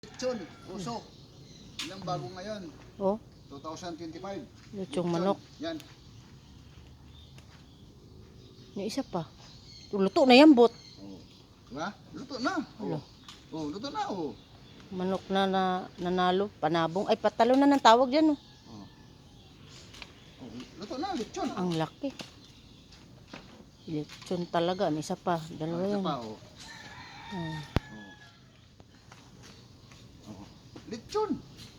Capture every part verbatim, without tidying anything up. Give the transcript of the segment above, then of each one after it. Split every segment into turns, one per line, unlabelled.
Lechon, usok. Ilang bago ngayon?
Oh,
twenty twenty-five.
lechong manok.
Yan.
Yung isa pa. Luto na yan, bot.
Oh. Diba? Luto na.
Ano?
Oh. Oh, luto na oh.
Manok na, na nanalo. Panabong. Ay, patalo na ng tawag dyan, oh.
Oh. Oh, luto na, lechon.
Ang laki. Lechon talaga. May isa pa. Dalawa
Ah, isa
yan.
pa, oh.
Hmm.
Oh. Oh. Lechon.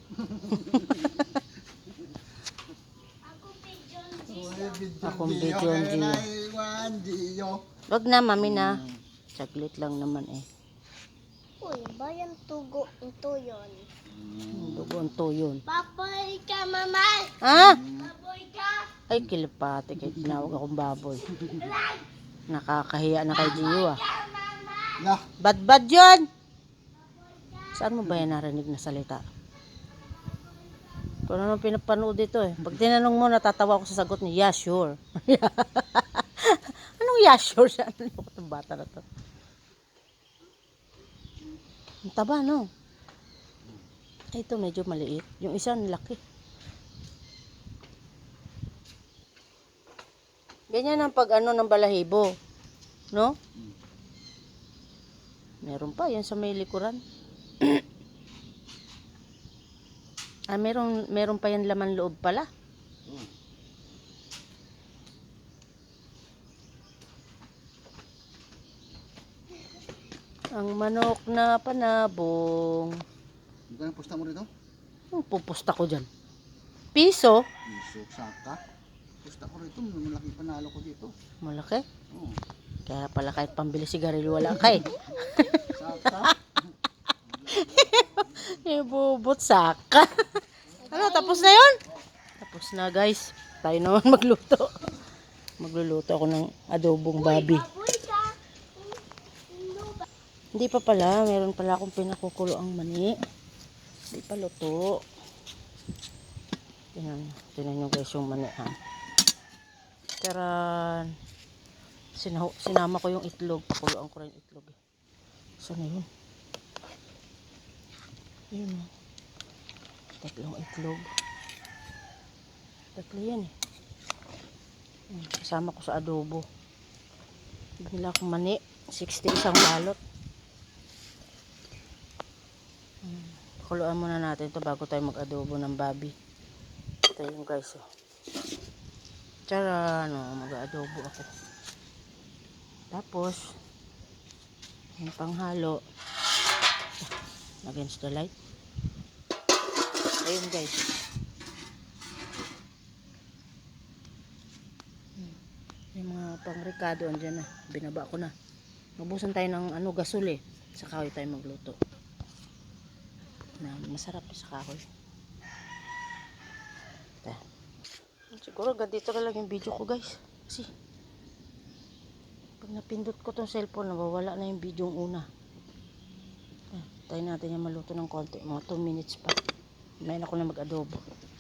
Akong video, Gio. Wag na, mami na. Saglit lang naman eh.
Uy, bayan tugo ito yun.
Dugon to yun.
Baboy ka, mama!
Ha?
Baboy ka!
Ay, kilipate. Kaya tinawag akong baboy. Nakakahiya na kay Gio, ah.
Lah,
Bad-bad yun! Saan mo ba yan narinig na salita? Kung ano nang pinapanood dito eh. Pag tinanong mo, natatawa ako sa sagot niya, yeah, sure. Anong yeah, sure siya? Ano yung bata na to? Ang taba, no? Ay, ito medyo maliit. Yung isa, ang laki. Ganyan ang pag ano ng balahibo. No? Meron pa, yan sa may likuran. Ah, meron, meron pa yan laman loob pala.
Hmm.
Ang manok na panabong.
magkano pusta mo rito?
Ang pupusta ko dyan. Piso?
Piso, saka. Pusta ko rito, malaki panalo ko dito.
Malaki.
Oh.
Kaya pala kahit pambili sigarilyo wala ka eh.
Saka.
Ibubot saka. Ano, tapos na yun? Tapos na guys. Tayo naman magluto. Magluluto ako ng adobong babi.
Baboy ka!
Hindi pa pala. Meron pala akong pinakukulo ang mani. Hindi pa luto. Tinan, tinan nyo guys yung mani ha. Taran. Sinaw, sinama ko yung itlog. Pakuluan ko rin yung itlog. Saan na yun? Yun o. Tatlong itlog. Tatlo yan eh. Hmm, kasama ko sa adobo. Binila akong mani. sixty isang balot. Hmm, pakuluan muna natin ito bago tayo mag-adobo ng babi. Ito yung guys oh. Tara, ano, mag-adobo ako. Tapos, yung panghalo, against the light. Ayun guys. Hmm. Yung mga pangrikado andyan na. Binaba ko na. Mabusan tayo ng ano, gasol eh. Sa kahoy tayo magluto. Na, masarap sa kahoy. Ito. Siguro ganito na lang yung video ko guys. Kasi pag napindot ko tong cellphone, nawawala na yung video yung una. Eh, tayo natin yung maluto ng konti. Mga two minutes pa. May na ako na mag-adobo.